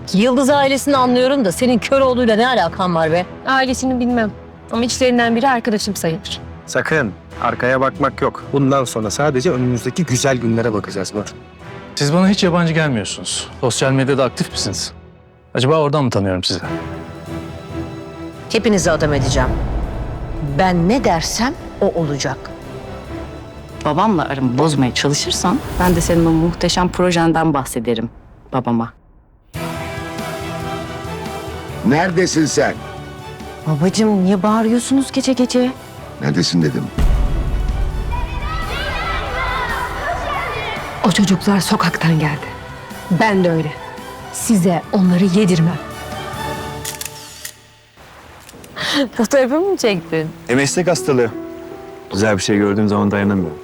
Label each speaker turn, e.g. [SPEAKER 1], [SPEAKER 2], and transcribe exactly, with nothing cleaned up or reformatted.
[SPEAKER 1] Yıldız ailesini anlıyorum da senin Köroğlu'yla ne alakan var be?
[SPEAKER 2] Ailesini bilmem ama içlerinden biri arkadaşım sayılır.
[SPEAKER 3] Sakın arkaya bakmak yok. Bundan sonra sadece önümüzdeki güzel günlere bakacağız Nur.
[SPEAKER 4] Siz bana hiç yabancı gelmiyorsunuz. Sosyal medyada aktif misiniz? Acaba oradan mı tanıyorum sizi?
[SPEAKER 1] Hepinizi adam edeceğim. Ben ne dersem o olacak.
[SPEAKER 5] Babamla aramı bozmaya çalışırsan ben de senin o muhteşem projenden bahsederim babama.
[SPEAKER 6] Neredesin sen?
[SPEAKER 5] Babacığım niye bağırıyorsunuz gece gece?
[SPEAKER 6] Neredesin dedim.
[SPEAKER 2] O çocuklar sokaktan geldi. Ben de öyle. Size onları yedirmem.
[SPEAKER 1] Fotoğrafımı mı çektin?
[SPEAKER 7] E meslek hastalığı. Güzel bir şey gördüğüm zaman dayanamıyorum.